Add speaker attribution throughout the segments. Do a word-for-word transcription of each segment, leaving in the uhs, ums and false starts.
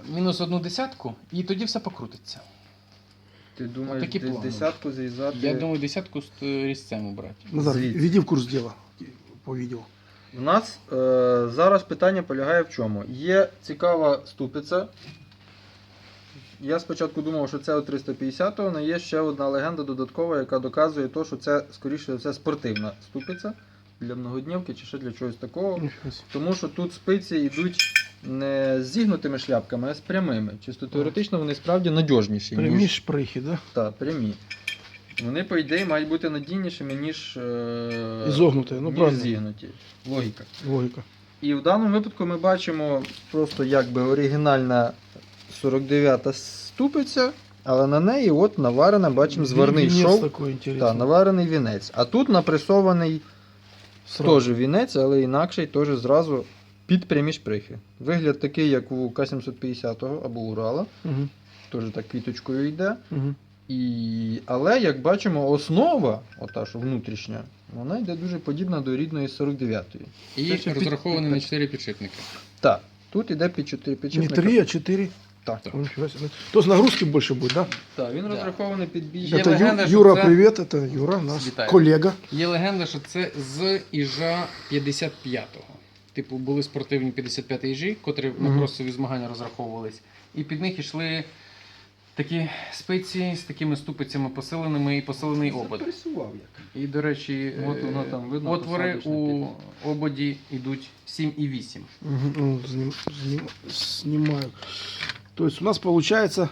Speaker 1: мінус одну десятку, і тоді все покрутиться.
Speaker 2: Ти думаєш,
Speaker 1: Такі
Speaker 2: де-
Speaker 1: плани.
Speaker 2: десятку зрізати?
Speaker 1: Я думаю, десятку з е, різцем убрати.
Speaker 3: Назар,
Speaker 2: Звідси.
Speaker 3: введи в курс дела по видео.
Speaker 2: У нас е, зараз питання полягає в чому? Є цікава ступиця. Я спочатку думав, що це у триста п'ятдесятого, але є ще одна легенда додаткова, яка доказує те, що це, скоріше за все, спортивна ступиця для многоднівки чи ще для чогось такого.
Speaker 3: Нифига себе.
Speaker 2: Тому що тут спиці йдуть не з зігнутими шляпками, а з прямими. Чисто теоретично вони справді надіжніші.
Speaker 3: Прямі
Speaker 2: ніж...
Speaker 3: шприхи, да?
Speaker 2: Так, прямі. Вони, по ідеї, мають бути надійнішими, ніж, е...
Speaker 3: Ізогнуті, ну
Speaker 2: ніж
Speaker 3: правильно.
Speaker 2: зігнуті. Логіка.
Speaker 3: Логика.
Speaker 2: І в даному випадку ми бачимо просто якби оригінальна сорок дев'ята ступиця, але на неї от наварена, бачимо, зварний
Speaker 3: Венец
Speaker 2: шов.
Speaker 3: такой интересный.
Speaker 2: Та, наварений вінець. А тут напресований
Speaker 3: Сразу.
Speaker 2: теж вінець, але інакший теж зразу під прямі шприхи. Вигляд такий, як у К сімсот п'ятдесятого або Урала.
Speaker 3: Мгм.
Speaker 2: Теж так квіточкою йде.
Speaker 3: Мгм.
Speaker 2: І... Але, як бачимо, основа, ота що внутрішня, вона йде дуже подібна до рідної сорок дев'ятої.
Speaker 1: І
Speaker 2: Це ще під-
Speaker 1: розрахований
Speaker 2: під-
Speaker 1: на чотири підшипники.
Speaker 2: Так, тут йде під чотири
Speaker 3: Не
Speaker 2: підшипника.
Speaker 3: три, а четыре.
Speaker 2: Так.
Speaker 3: О, нифига себе. То есть нагрузки больше будет, да?
Speaker 2: Так, він
Speaker 1: Да.
Speaker 2: розрахований під більш...
Speaker 1: Є
Speaker 3: Это Ю-
Speaker 1: легенда, що
Speaker 3: Юра,
Speaker 1: це-
Speaker 3: привет, это Юра, наш
Speaker 1: Вітаю.
Speaker 3: колега.
Speaker 1: Є легенда, що це з Іжа п'ятдесят п'ятого. Типу, були спортивні п'ятдесят п'ятий Іжі, котрі на
Speaker 3: Мгм.
Speaker 1: кросові змагання розраховувались. І під них йшли такі спиці з такими ступицями посиленими і посилений обод.
Speaker 2: Запресував як.
Speaker 1: І, до речі,
Speaker 2: От воно
Speaker 1: е,
Speaker 2: там видно,
Speaker 1: отвори
Speaker 2: посадочне
Speaker 1: у
Speaker 2: під-
Speaker 1: ободі йдуть сім і вісім.
Speaker 3: Мгм, ну, зним- зним- Снимаю. То есть у нас получается,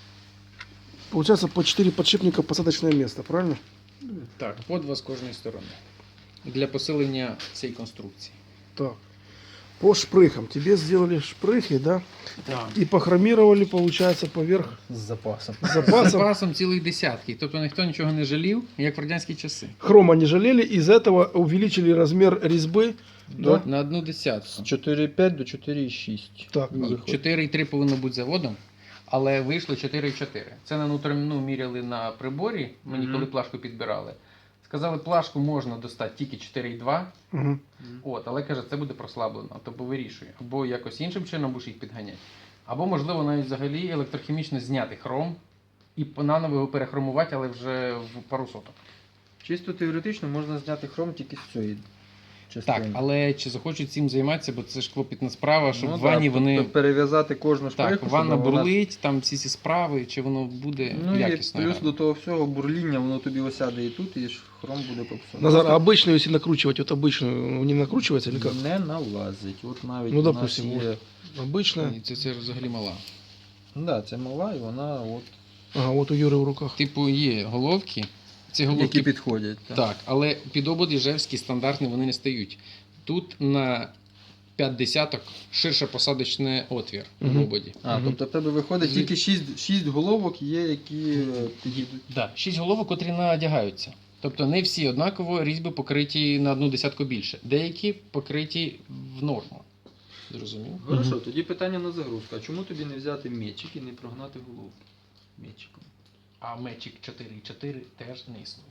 Speaker 3: получается по четыре подшипника посадочное место, правильно?
Speaker 1: Так, по два з кожної сторони. Для посилення цієї конструкції.
Speaker 3: Так. По шпрыхам. Тебе сделали шпрыхи, да?
Speaker 1: Так.
Speaker 3: И похромировали, получается, поверх
Speaker 2: З запасом.
Speaker 1: З
Speaker 3: запаса.
Speaker 1: запасом цілих десятки. Тобто ніхто нічого не жалів, як в радянські часи.
Speaker 3: Хрома не жалели, из этого увеличили размер резьбы. Да?
Speaker 1: На одну
Speaker 2: З
Speaker 1: десятку.
Speaker 2: чотири п'ять до чотири шість.
Speaker 3: Так,
Speaker 1: Ні, чотири і три повинно бути заводом, але вийшло чотири і чотири. Це на внутрішню міряли на приборі, мені
Speaker 2: Мгм.
Speaker 1: коли плашку підбирали. Сказали, плашку можна достати тільки чотири і два,
Speaker 3: Мгм.
Speaker 1: от, але каже, це буде прослаблено, тобто вирішує. Або якось іншим чином будеш їх підганяти. Або, можливо, навіть взагалі електрохімічно зняти хром і наново його перехромувати, але вже в пару соток.
Speaker 2: Чисто теоретично можна зняти хром тільки з цієї частини.
Speaker 1: Так, але чи захочуть цим займатися, бо це ж клопітна справа, щоб
Speaker 2: Ну,
Speaker 1: в ванні
Speaker 2: так,
Speaker 1: вони...
Speaker 2: тобто перев'язати кожну шприху,
Speaker 1: Так,
Speaker 2: щоб
Speaker 1: ванна
Speaker 2: вона-
Speaker 1: бурлить, там всі ці справи, чи воно буде
Speaker 2: Ну і
Speaker 1: якісно.
Speaker 2: плюс
Speaker 1: гарно.
Speaker 2: до того всього бурління, воно тобі осяде і тут, і ж хром буде попсований.
Speaker 3: Назар, а обычную, если накручивать, вот обычную, не накручивается или как?
Speaker 2: Не налазить. От навіть
Speaker 3: Ну,
Speaker 2: у нас
Speaker 3: допустим,
Speaker 2: є...
Speaker 3: Обычная.
Speaker 1: Ні, Це, це взагалі мала.
Speaker 2: Да, це мала, і вона от...
Speaker 3: Ага, вот у Юры в руках.
Speaker 1: Типу є головки, ці головки
Speaker 2: Які підходять. Так.
Speaker 1: так, але під обод Іжевський стандартний вони не стають. Тут на п'ять десяток ширше посадочний отвір
Speaker 3: Мгм.
Speaker 1: в ободі.
Speaker 2: А,
Speaker 3: Мгм.
Speaker 2: тобто в тебе виходить
Speaker 1: Звід-
Speaker 2: тільки шість, шість головок є, які е, підійдуть.
Speaker 1: Да, шість головок, котрі надягаються. Тобто не всі однаково різьби покриті на одну десятку більше. Деякі покриті в норму. Зрозумів?
Speaker 2: Хорошо,
Speaker 3: Мгм.
Speaker 2: тоді питання на загрузку. А чому тобі не взяти мечик і не прогнати головку мечиком?
Speaker 1: А мечик чотири і чотири теж не існує.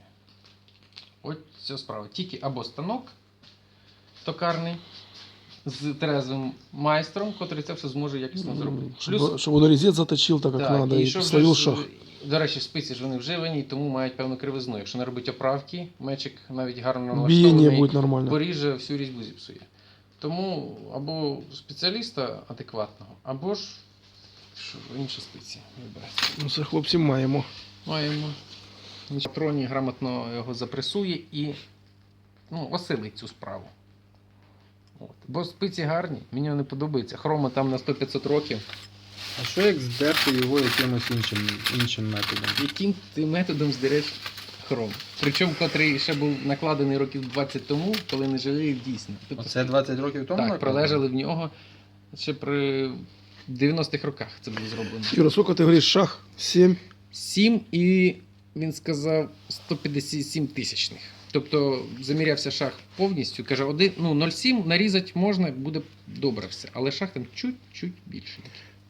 Speaker 1: От ця справа. Тільки або станок токарний з трезвим майстром, котрий це все зможе якісно зробити.
Speaker 3: Чтобы, чтобы он резец заточил так, как
Speaker 1: так,
Speaker 3: надо, и,
Speaker 1: щоб
Speaker 3: словил
Speaker 1: же ж,
Speaker 3: шаг.
Speaker 1: До речі, спиці ж вони вживані, тому мають певну кривизну. Якщо не робити оправки, мечик навіть гарно
Speaker 3: Биение
Speaker 1: налаштований,
Speaker 3: будет нормально.
Speaker 1: поріже, всю різьбу зіпсує. Тому або спеціаліста адекватного, або ж що, інші спиці вибирати.
Speaker 3: Ну, це хлопці маємо.
Speaker 1: Маємо. Патроні грамотно його запресує і ну, осилить цю справу. От. Бо спиці гарні, мені вони подобаються. Хрома там на сто-п'ятсот років.
Speaker 2: А що як здерти його якимось іншим, іншим методом?
Speaker 1: Яким ти методом здереш хром? Причому, котрий ще був накладений років двадцять тому, коли не жаліли дійсно. Тобто,
Speaker 2: Оце двадцять років тому?
Speaker 1: так,
Speaker 2: накладено?
Speaker 1: пролежали в нього ще при дев'яностих роках це було зроблено.
Speaker 3: Юра, сколько ты говоришь, шаг? Семь.
Speaker 1: сім і він сказав сто п'ятдесят сім тисячних. Тобто замірявся шаг повністю, каже, один, ну, нуль цілих сім нарізати можна, буде добре все. Але шаг там чуть-чуть більший.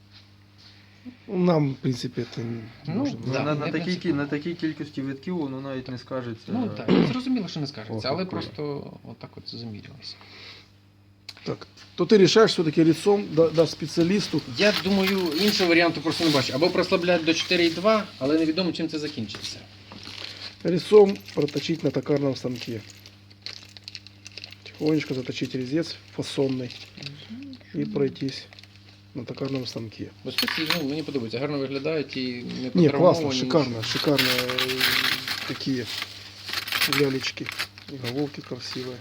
Speaker 3: Нам, в принципе, это не
Speaker 1: Ну,
Speaker 3: нужно.
Speaker 2: Ну,
Speaker 1: Да,
Speaker 2: на,
Speaker 1: не
Speaker 2: на, такій, кі-
Speaker 1: принципово.
Speaker 2: на такій кількості витків воно навіть не скажеться.
Speaker 1: Ну так, зрозуміло, що не скажеться, але
Speaker 2: Охо,
Speaker 1: просто отак от замірялися.
Speaker 3: Так, то ты решаешь все-таки лицом, да, дашь специалисту.
Speaker 1: Я думаю, іншого варіанту просто не бачу. Або прослабляти до чотири і два, але невідомо, чим це закінчиться.
Speaker 3: Резцом проточить на токарном станке. Тихонечко заточить резец фасонный и пройтись на токарном станке.
Speaker 1: Бо спеці, ну, мені подобається, гарно виглядають і не
Speaker 3: Не,
Speaker 1: потравмовані.
Speaker 3: классно, шикарно, шикарно. э, Такие лялечки. И головки красивые.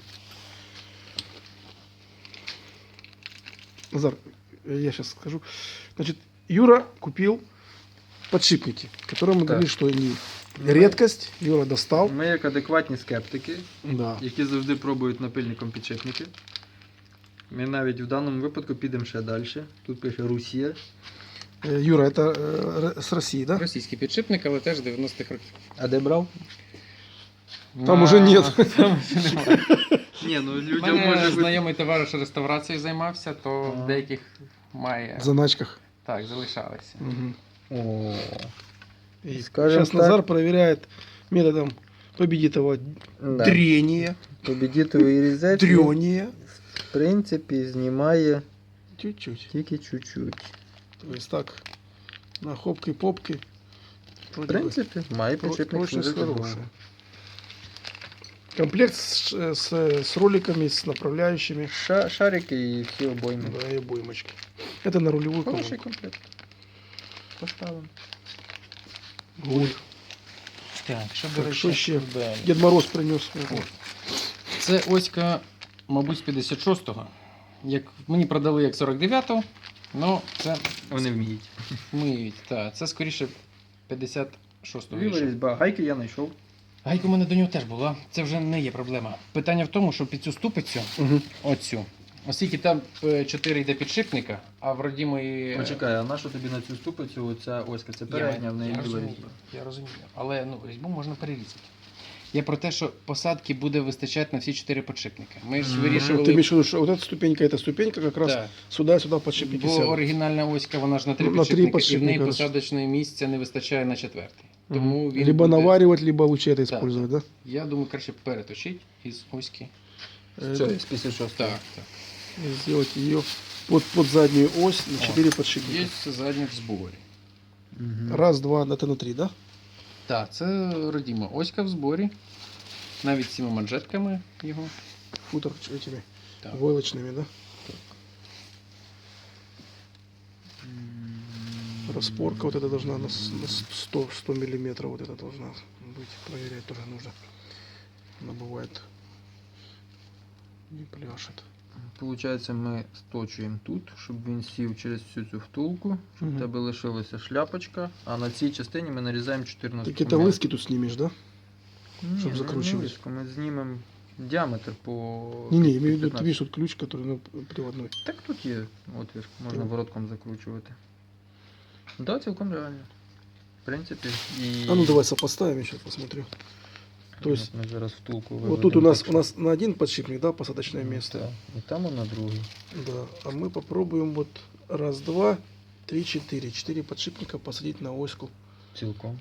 Speaker 3: Назар, э, я сейчас скажу. Значит, Юра купил подшипники, которые мы
Speaker 2: Так.
Speaker 3: говорили, что они редкость. Юра достал.
Speaker 2: Ми як адекватні скептики,
Speaker 3: Да.
Speaker 2: які завжди пробують напильником підшипники. Ми навіть в даному випадку підемо ще далі. Тут пише Русія.
Speaker 3: Э, Юра, это э, р- с России, да?
Speaker 1: Російський підшипник, але теж дев'яностих років.
Speaker 2: А де брав?
Speaker 3: Там уже нет.
Speaker 1: Там вже немає.
Speaker 2: Ні, ну
Speaker 1: У
Speaker 2: людям
Speaker 1: мене
Speaker 2: може бути.
Speaker 1: знайомий товариш реставрацією займався, то
Speaker 2: Ага.
Speaker 1: в деяких має.
Speaker 3: В заначках.
Speaker 1: Так, залишалися.
Speaker 3: Мгм.
Speaker 2: О,
Speaker 3: И
Speaker 2: Скажем
Speaker 3: сейчас
Speaker 2: так.
Speaker 3: Назар проверяет методом победитого
Speaker 2: да.
Speaker 3: трения,
Speaker 2: Победітовий різець,
Speaker 3: трения.
Speaker 2: в принципі, знімає
Speaker 3: Чуть-чуть.
Speaker 2: тільки чуть-чуть.
Speaker 3: То есть так, на хопки-попки.
Speaker 2: В принципі, має
Speaker 3: Про-
Speaker 2: підшипник
Speaker 3: прочность
Speaker 2: служити
Speaker 3: хорошая.
Speaker 2: довго.
Speaker 3: Комплект с, с, с роликами, с направляющими,
Speaker 2: Ша- Шарики і всі обойми.
Speaker 3: да, и обоймочки. Это на рулевую
Speaker 2: Хороший
Speaker 3: колонку.
Speaker 2: комплект. Поставимо.
Speaker 3: Гуль.
Speaker 1: Так, що
Speaker 3: Так,
Speaker 1: до речі,
Speaker 3: що ще?
Speaker 1: далі?
Speaker 3: Дед Мороз принес.
Speaker 1: Це оська, мабуть, з п'ятдесят шостого. Як мені продали як сорок дев'ятого, але це
Speaker 2: Вони вміють.
Speaker 1: миють. Так, це скоріше п'ятдесят шостого.
Speaker 2: Віла різьба. Гайки я знайшов.
Speaker 1: Гайка у мене до нього теж була. Це вже не є проблема. Питання в тому, що під цю ступицю,
Speaker 3: Угу.
Speaker 1: оцю, оскільки там е, чотири йде підшипника, а в родімої...
Speaker 2: Почекай, а на що тобі на цю ступицю оця оська? Це передня, в неї
Speaker 1: я
Speaker 2: біла
Speaker 1: розумію,
Speaker 2: різьба.
Speaker 1: я розумію. Але ну, різьбу можна перерізати. Я про те, що посадки буде вистачати на всі чотири підшипника. Ми ж
Speaker 2: Мгм.
Speaker 1: вирішували...
Speaker 3: Ты имеешь в виду, что вот эта ступенька, эта ступенька как раз
Speaker 1: Так.
Speaker 3: сюда-сюда подшипники
Speaker 1: Бо
Speaker 3: сядут.
Speaker 1: оригінальна оська, вона ж на три
Speaker 3: Ну, на три
Speaker 1: підшипники, і в
Speaker 3: підшипника,
Speaker 1: неї
Speaker 3: да.
Speaker 1: посадочного місця не вистачає на четвертий.
Speaker 3: Мгм.
Speaker 1: Тому він
Speaker 3: Либо
Speaker 1: буде-
Speaker 3: наваривать, либо лучше это
Speaker 1: Да.
Speaker 3: использовать, да?
Speaker 1: Я думаю, краще переточити із оськи.
Speaker 3: Э,
Speaker 2: Це з п'ятдесят шостого.
Speaker 1: Так, так.
Speaker 3: и сделать ее под, под заднюю ось на
Speaker 1: О,
Speaker 3: четыре подшипника.
Speaker 1: Є задній в зборі.
Speaker 2: Мгм.
Speaker 3: Раз, два, это на три, да?
Speaker 1: Так, це родіма оська в зборі. Навіть з цими манжетками його.
Speaker 3: Футер ч- этими
Speaker 1: Так.
Speaker 3: войлочными, да?
Speaker 2: М.
Speaker 3: Распорка вот эта должна на, с- на с- сто, сто миллиметров вот это должна быть. Проверять тоже нужно. Она бывает не пляшет.
Speaker 2: Получається, ми сточуємо тут, щоб він сів через всю цю втулку, щоб в
Speaker 3: Мгм.
Speaker 2: тебе лишилася шляпочка, а на цій частині ми нарізаємо чотирнадцять.
Speaker 3: Так это лыски тут снимешь, да?
Speaker 2: Ні,
Speaker 3: щоб
Speaker 2: ми
Speaker 3: закручувати.
Speaker 2: не лиску, Ми знімемо діаметр по.
Speaker 3: Не-не, имею в виду, ты
Speaker 2: п'ятнадцять.
Speaker 3: видишь, тут ключ, который ну, приводной.
Speaker 2: Так тут є отвір, можна
Speaker 3: Так.
Speaker 2: воротком закручувати. Так, да, цілком реально. В принципі, і.
Speaker 3: А ну давай сопоставим, я сейчас посмотрю. То есть,
Speaker 2: Ми зараз втулку
Speaker 3: вот тут у
Speaker 2: виведемо
Speaker 3: нас,
Speaker 2: так,
Speaker 3: у нас на один подшипник, да, посадочное
Speaker 2: щоб-
Speaker 3: место.
Speaker 2: Так, і там на другий.
Speaker 3: Да, а мы попробуем вот раз, два, три, четыре. Четыре подшипника посадить на оську.
Speaker 2: Цілком.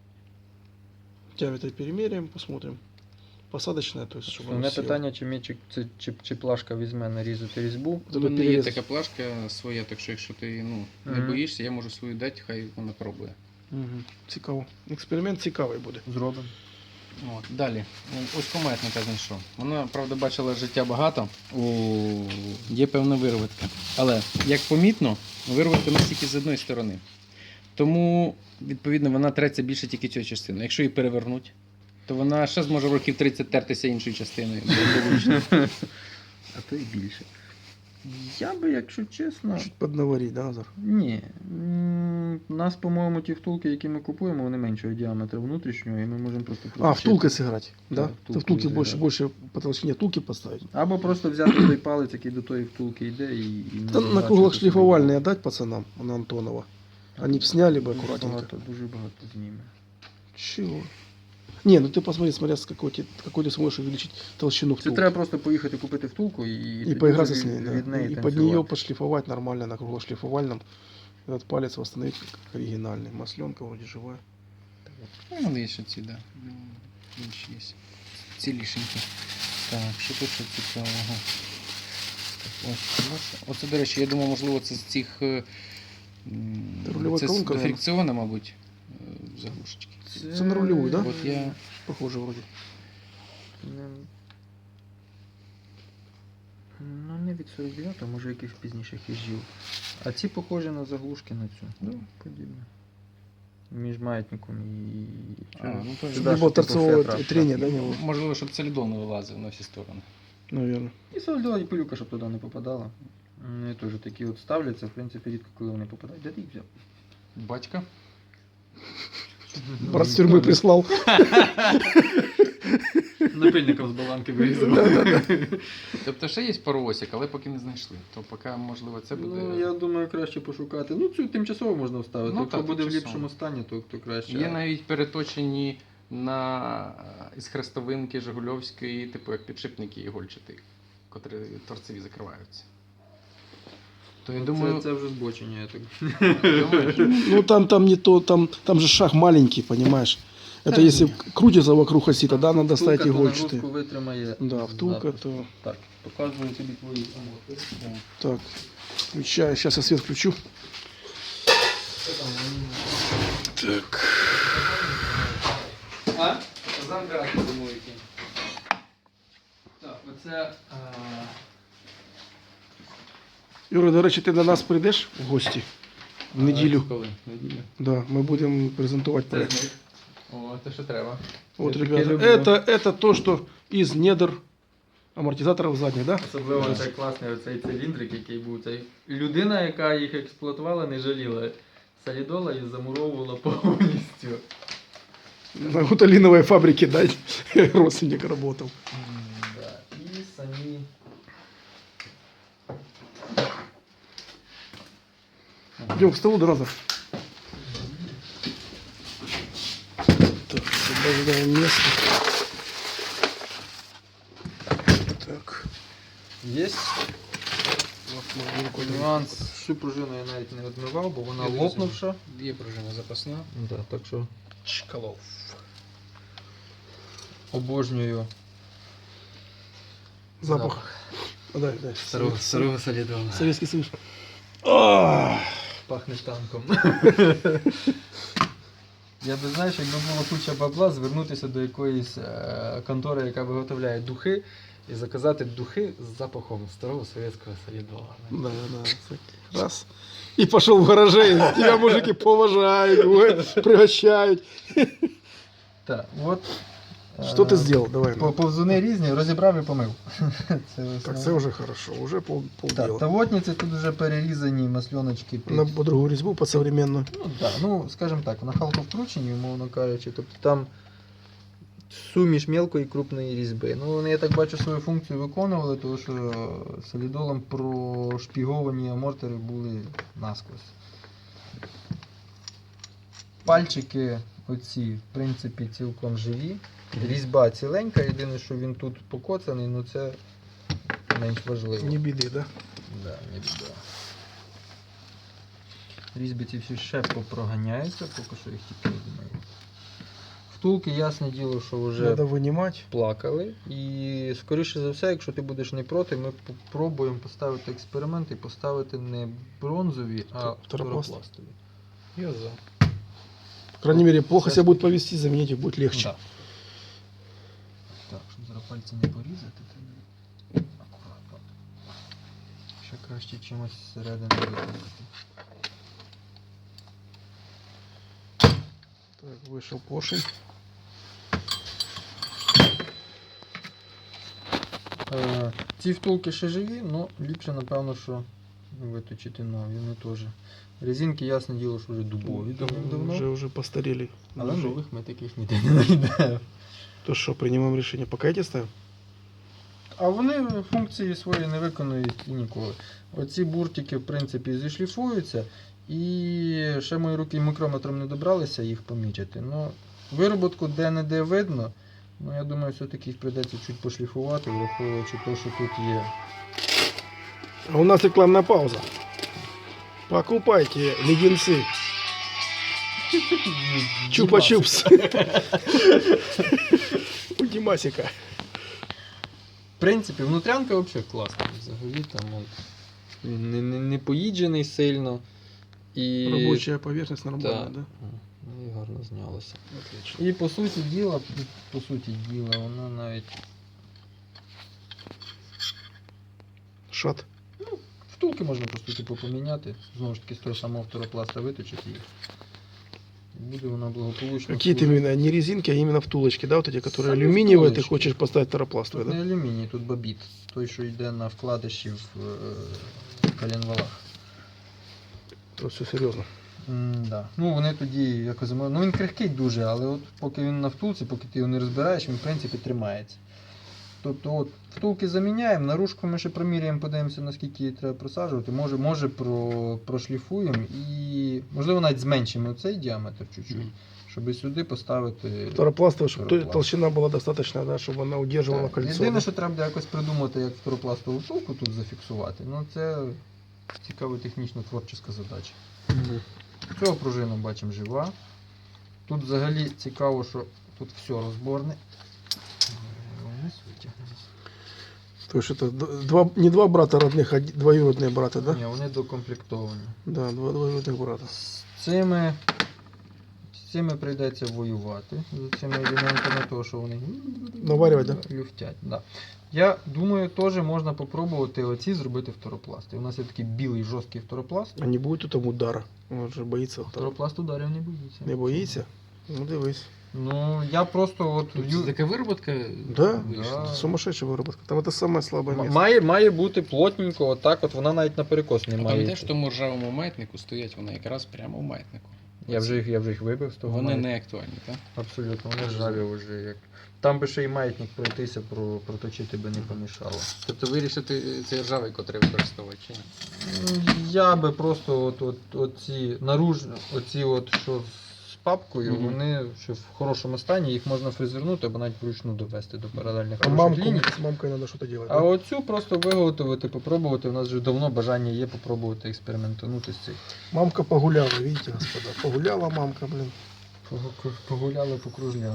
Speaker 3: Диаметр перемеряем, посмотрим. Посадочная, то есть, чтобы
Speaker 2: Основне
Speaker 3: она села.
Speaker 2: питання, чи мічик, чи, чи, чи плашка візьме нарізати різьбу.
Speaker 1: У
Speaker 3: Треба
Speaker 1: мене є
Speaker 3: перерізати.
Speaker 1: така плашка своя, так що якщо ти ну, не
Speaker 2: Мгм.
Speaker 1: боїшся, я можу свою дати, хай вона пробує.
Speaker 3: Мгм. Цікаво. Експеримент цікавий буде.
Speaker 2: Зробимо.
Speaker 1: От, далі. Ось кометника знайшов. Вона, правда, бачила життя багато. О, є певна вирватка. Але, як помітно, вирватка настільки з одної сторони. Тому, відповідно, вона треться більше тільки цією частиною. Якщо її перевернуть, то вона ще зможе в років тридцять тертися іншою частиною. Благополучно.
Speaker 2: А то і більше. Я би, якщо чесно.
Speaker 3: Чуть поднаварить, да, Назар?
Speaker 2: Ні. М, У нас, по-моєму, ті втулки, які ми купуємо, вони меншого діаметру внутрішнього, і ми можемо просто
Speaker 3: А,
Speaker 2: проточити.
Speaker 3: втулкой сыграть, да?
Speaker 2: Да,
Speaker 3: Ты
Speaker 2: втулкой
Speaker 3: втулки
Speaker 2: сыграть.
Speaker 3: больше, больше по толщине втулки поставить.
Speaker 2: Або просто взяти той палець, який до тої втулки йде, і. і
Speaker 3: Да, на
Speaker 2: назначити
Speaker 3: круглых
Speaker 2: собі.
Speaker 3: шлифовальные отдать пацанам, на Антонова. Они б сняли бы
Speaker 2: Дуже
Speaker 3: аккуратненько.
Speaker 2: багато, дуже багато зніме.
Speaker 3: Чего? Не, ну ты посмотри, смотря с какой, ты- какой ты сможешь увеличить толщину
Speaker 2: Це
Speaker 3: втулки.
Speaker 2: треба просто поїхати купити втулку і,
Speaker 3: И
Speaker 2: тоді
Speaker 3: поиграться
Speaker 2: вже
Speaker 3: с ней,
Speaker 2: від-
Speaker 3: да.
Speaker 2: від неї
Speaker 3: И под
Speaker 2: танцювати.
Speaker 3: нее пошлифовать нормально на круглошлифовальном. Этот палец восстановить как оригинальный. Масленка вроде живая.
Speaker 1: Ну, вони є ще ці, да. Ну, інші є. Цілішенькі. Так, що тут ще цікавого? Ось, бачите? Оце, до речі, я думаю, можливо, це з цих. е, м,
Speaker 3: Це рульова
Speaker 1: Це з
Speaker 3: колонка,
Speaker 1: до
Speaker 3: наверно.
Speaker 1: фрикціона, мабуть, е, заглушечки.
Speaker 3: Це на рульову, да?
Speaker 1: От я.
Speaker 3: Похоже вроде.
Speaker 2: Не- Ну, не від сорок дев'ятого, може якихось пізніших їжджів. А ці похожі на заглушки на цю. Ну, подібне. Між маятником і.
Speaker 1: А, ну, то ж.
Speaker 2: Сюди,
Speaker 3: Не
Speaker 2: що
Speaker 3: было
Speaker 2: типу
Speaker 3: торцевого
Speaker 2: фетра.
Speaker 3: трения, да, него?
Speaker 1: Можливо, щоб солідон не вилазив на всі сторони.
Speaker 3: Наверное.
Speaker 2: І солідола, і пилюка, щоб туди не попадала. Вони теж такі от ставляться, в принципі, рідко коли вони попадають. Де ти їх взяв?
Speaker 1: Батька.
Speaker 3: Брат с тюрьмы прислал.
Speaker 2: Напильником з баланки вирізав.
Speaker 1: Тобто ще є паровозик, але поки не знайшли. То поки, можливо, це буде.
Speaker 2: Ну, я думаю, краще пошукати. Ну, цю тимчасово можна вставити.
Speaker 1: Ну,
Speaker 2: Якщо
Speaker 1: так,
Speaker 2: буде в
Speaker 1: тимчасово.
Speaker 2: ліпшому стані, то, то краще.
Speaker 1: Є навіть переточені на із хрестовинки Жигульовської, типу як підшипники ігольчаті, котрі торцеві закриваються. То я
Speaker 2: Ну,
Speaker 1: думаю,
Speaker 2: це, це вже збочення, я так.
Speaker 1: думаєш,
Speaker 3: Ну там, там не то, там, там же шаг маленький, понимаешь? Это
Speaker 1: Да,
Speaker 3: если
Speaker 1: не.
Speaker 3: крутится вокруг оси, тогда надо ставить
Speaker 2: Втулка то
Speaker 3: игольчатые.
Speaker 2: нагрузку витримає.
Speaker 3: Да, втулка
Speaker 2: запуск.
Speaker 3: то...
Speaker 2: Так, показую тобі твої амоти.
Speaker 3: Так, включаю. Сейчас я свет включу. Так.
Speaker 2: А? Замкрати думаю, які. Так, оце. а,
Speaker 3: Юра, до речі, ти до нас прийдеш в гості? В неділю.
Speaker 2: Коли? Неділю.
Speaker 3: Да, ми будемо презентувати
Speaker 2: Це
Speaker 3: проект.
Speaker 2: з них. О, те, що треба.
Speaker 3: Вот,
Speaker 2: Я таке
Speaker 3: ребята,
Speaker 2: люблю.
Speaker 3: это, это то, что из недр амортизаторов задних, да?
Speaker 2: Особливо цей класний оцей циліндрик, який був. Цей людина, яка їх експлуатувала, не жаліла солідола і замуровувала повністю.
Speaker 3: На гуталиновой фабрике, да, родственник работал.
Speaker 2: Да. І самі.
Speaker 3: Идем к столу до назад. Так, освобождаем место. Так.
Speaker 2: Є
Speaker 3: Вот, можно рукой
Speaker 2: нюанс. Всю пружину я навіть не відмивав, бо вона
Speaker 1: Я не
Speaker 2: лопнувша.
Speaker 1: є пружина запасна.
Speaker 2: Да, так що
Speaker 3: Чкалов.
Speaker 2: обожнюю
Speaker 3: Запах. А, дай, дай.
Speaker 2: старого солідола.
Speaker 3: Советский Союз. А,
Speaker 2: Пахне танком. Я би, знаєш, якби було куча бабла, звернутися до якоїсь е, контори, яка виготовляє духи, і заказати духи з запахом старого совєтського солідола.
Speaker 3: Да, да. так. Раз. И пошел в гараже, и тебя мужики поважают, ой, пригощают.
Speaker 2: Так, от.
Speaker 3: Что ты
Speaker 2: е,
Speaker 3: сделал? Давай.
Speaker 2: по-
Speaker 3: ну.
Speaker 2: Повзуни різні, розібрав і помив. Це
Speaker 3: Так,
Speaker 2: основне.
Speaker 3: це вже хорошо, уже пол,
Speaker 2: Так,
Speaker 3: полдела.
Speaker 2: тавотниці тут вже перерізані масльоночки під...
Speaker 3: На по другу різьбу, по современную.
Speaker 2: Ну, да, ну, скажімо так, на халковкрученні, умовно кажучи, тобто там суміш мелкої і крупної різьби. Ну, вони, я так бачу, свою функцію виконували, тому що солідолом прошпіговані амортери були насквозь. Пальчики оці, в принципі, цілком живі. Різьба ціленька, єдине, що він тут покоцаний, ну це менш важливо.
Speaker 3: Не біди, да?
Speaker 2: Да, не біда. Різьби ці всі ще попроганяються, поки що їх тільки відмию. Втулки, ясне діло, що вже
Speaker 3: Надо вынимать.
Speaker 2: плакали. І скоріше за все, якщо ти будеш не проти, ми спробуємо поставити експеримент і поставити не бронзові, а
Speaker 3: Второпласт.
Speaker 2: второпластові.
Speaker 1: Я за.
Speaker 3: По крайней мере, плохо себя будет повести, заменить их будет легче.
Speaker 2: Да. Так, щоб зараз пальці не порізати, то акуратно. Ще краще чимось зсередини виконати.
Speaker 3: Так, вышел поршень.
Speaker 2: Е, Ці втулки ще живі, але ліпше, напевно, що виточити нові, вони теж. Резинки, ясне діло, що вже дубові давно.
Speaker 3: Уже, уже постарели.
Speaker 2: Але
Speaker 3: Уже.
Speaker 2: нових ми таких ніде не знайдемо.
Speaker 3: То что, принимаем решение? Пока эти ставим?
Speaker 2: А вони функції свої не виконують і ніколи. Оці буртики, в принципі, зішліфуються, і ще мої руки мікрометром не добралися їх помічити. Ну, вироботку де-не-де видно, ну я думаю, все-таки їх прийдеться чуть пошліфувати, враховуючи те, що тут є.
Speaker 3: А у нас рекламная пауза. Покупайте леденцы. Чупа-чупс. У Димасика.
Speaker 2: В принципі, внутрянка взагалі класна. взагалі там от, він не, не, не поїджений сильно. І...
Speaker 3: Рабочая поверхность нормальная,
Speaker 2: Так.
Speaker 3: да?
Speaker 2: Ну і гарно знялося.
Speaker 3: Отлично.
Speaker 2: І по суті діла, по суті діла, вона навіть
Speaker 3: Шат.
Speaker 2: втулки можна просто типу поміняти. Знову ж таки з того самого фторопласта виточити їх. І буде вона благополучно.
Speaker 3: Какие-то
Speaker 2: служити.
Speaker 3: именно не резинки, а именно втулочки, да, вот эти, которые
Speaker 2: Сами
Speaker 3: алюминиевые, ты
Speaker 2: втулочки.
Speaker 3: хочешь поставить таропластовые,
Speaker 2: Тут
Speaker 3: да?
Speaker 2: не алюміній, тут бабіт. Той, що йде на вкладиші в е, коленвалах.
Speaker 3: То все серьезно.
Speaker 2: М, да. Ну вони тоді якось зимо- ну він крихкий дуже, але от поки він на втулці, поки ти його не розбираєш, він в принципі тримається. Тобто от втулки заміняємо, наружку ми ще проміряємо, подивимося, наскільки її треба просаджувати. Може, може про, прошліфуємо і можливо навіть зменшимо цей діаметр чуть-чуть, щоб сюди поставити.
Speaker 3: Таропластовая, чтобы
Speaker 2: Таропласт.
Speaker 3: толщина была достаточная, да, чтобы она удерживала
Speaker 2: Так,
Speaker 3: кольцо.
Speaker 2: єдине,
Speaker 3: да?
Speaker 2: що треба буде якось придумати, як фторопластову втулку тут зафіксувати. Ну це цікава технічно творча задача.
Speaker 3: Мгм.
Speaker 2: Цього пружина бачимо жива. Тут взагалі цікаво, що тут все розборне. Вниз витягнемо.
Speaker 3: То есть это д- два, не два брата родных, а д- двоюродные брата, да?
Speaker 2: Ні, вони докомплектовані.
Speaker 3: Да, два двоюродных брата.
Speaker 2: З цими, з цими прийдеться воювати. З цими елементами, того, що вони
Speaker 3: Наварювать, да?
Speaker 2: люфтять. Да. Я думаю, теж можна попробувати оці зробити фторопласти. У нас є такий білий жорсткий фторопласт.
Speaker 3: А не будет тут там удара. Он же боится. удара.
Speaker 2: Фторопласт ударів не боїться.
Speaker 3: Не боится? Ну, дивись.
Speaker 2: Ну, я просто от
Speaker 1: Тут
Speaker 2: ю-
Speaker 1: така вироботка
Speaker 3: Да,
Speaker 1: вийшла.
Speaker 2: Да.
Speaker 3: Сумасшедшая выработка. Там это самое слабое
Speaker 2: М-
Speaker 3: место.
Speaker 2: Має, має бути плотненько, отак от вона навіть на перекос не
Speaker 1: А
Speaker 2: має.
Speaker 1: пам'ятаєш,
Speaker 2: йти.
Speaker 1: в тому ржавому маятнику стоять вони якраз прямо в маятнику.
Speaker 2: Я вже їх, я вже їх вибив з того.
Speaker 1: Вони
Speaker 2: маятника.
Speaker 1: не актуальні, так?
Speaker 2: Абсолютно, вони ржаві вже як. Там би ще й маятник пройтися, про, проточити би не помішало.
Speaker 1: Тобто вирішити цей ржавий, котрий використовувати чи ні?
Speaker 2: М, Я би просто от, от, оці наруж, оці от, що з папкою,
Speaker 1: Мгм.
Speaker 2: вони ще в хорошому стані, їх можна фрезернути або навіть вручну довести до паралельних
Speaker 3: А
Speaker 2: хороших
Speaker 3: мамку,
Speaker 2: ліній.
Speaker 3: с мамкой надо что-то делать.
Speaker 2: А
Speaker 3: да?
Speaker 2: оцю просто виготовити, попробувати. У нас вже давно бажання є попробувати експериментанути з цих.
Speaker 3: Мамка погуляла, видите, господа. Погуляла мамка, блин.
Speaker 2: Погу- Погуляли, покружляли.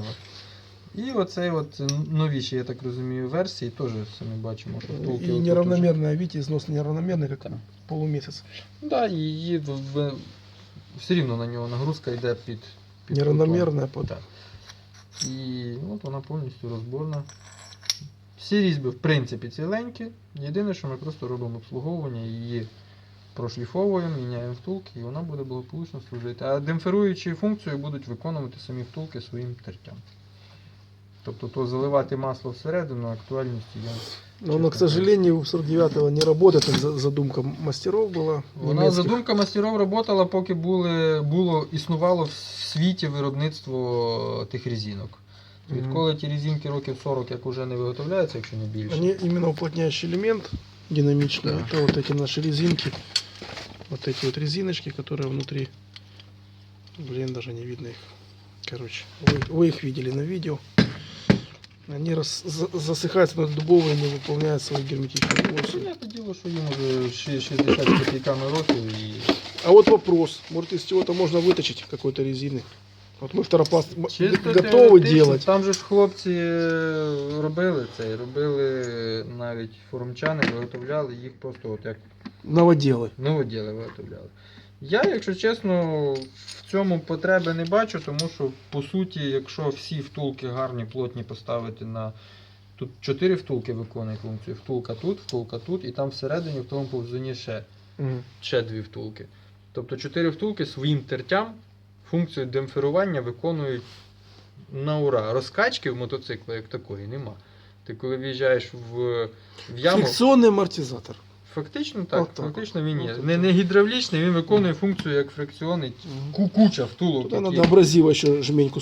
Speaker 2: І оцей от новіші, я так розумію, версії теж самі бачимо, що втулки.
Speaker 3: И
Speaker 2: отут
Speaker 3: неравномерная, видите, износ неравномерный, как
Speaker 2: Так.
Speaker 3: полумесяц.
Speaker 2: уже- Да, і її в- в- все рівно на нього нагрузка йде під. під
Speaker 3: Неравномерная
Speaker 2: кутом.
Speaker 3: под...
Speaker 2: Так. І от вона повністю розборна. Всі різьби, в принципі, ціленькі. Єдине, що ми просто робимо обслуговування, її прошліфовуємо, міняємо втулки, і вона буде благополучно служити. А демпферуючі функцію будуть виконувати самі втулки своїм тертям. Тобто то заливати масло всередину актуальності я.
Speaker 3: Но она, к сожалению, у сорок девятого не работает, как за- задумка мастеров была.
Speaker 2: Вона
Speaker 3: немецких.
Speaker 2: задумка мастеров працювала, поки були, було, існувало в світі виробництво тих резинок.
Speaker 3: Мгм.
Speaker 2: Відколи ті резинки років сорок як уже не виготовляються, якщо не більше.
Speaker 3: Они именно уплотняющий элемент динамичный.
Speaker 2: Да.
Speaker 3: Это вот эти наши резинки. Вот эти вот резиночки, которые внутри. Блин, даже не видно их. Короче, вы, вы их видели на видео. Они рас, за- засыхаются на дубовые, не выполняют свою герметичную функцию.
Speaker 2: Понятне діло, що їм уже ши- шістдесят з копійками років і.
Speaker 3: А вот вопрос. Может, из чего-то можно выточить какой-то резины? Вот мы второпласт м-
Speaker 2: Чисто
Speaker 3: готовы
Speaker 2: теоретично,
Speaker 3: делать.
Speaker 2: Там же ж хлопці е, робили це, робили навіть форумчани, виготовляли їх просто от як
Speaker 3: Новоделы.
Speaker 2: новоділи виготовляли. Я, якщо чесно, в цьому потреби не бачу, тому що, по суті, якщо всі втулки гарні, плотні поставити на. Тут чотири втулки виконують функцію. Втулка тут, втулка тут, і там всередині в тому повзуні ще,
Speaker 3: Мгм.
Speaker 2: ще дві втулки. Тобто чотири втулки своїм тертям функцію демпферування виконують на ура. Розкачки в мотоцикла як такої нема. Ти коли в'їжджаєш в, в яму.
Speaker 3: Фрикционный амортизатор.
Speaker 2: Фактично так,
Speaker 3: От так.
Speaker 2: фактично він є.
Speaker 3: От
Speaker 2: Не,
Speaker 3: так.
Speaker 2: не гідравлічний, він виконує функцію як фрикціонний.
Speaker 3: Мгм.
Speaker 2: Ку- Куча втулок.
Speaker 3: Туда
Speaker 2: які-
Speaker 3: надо абразива еще жменьку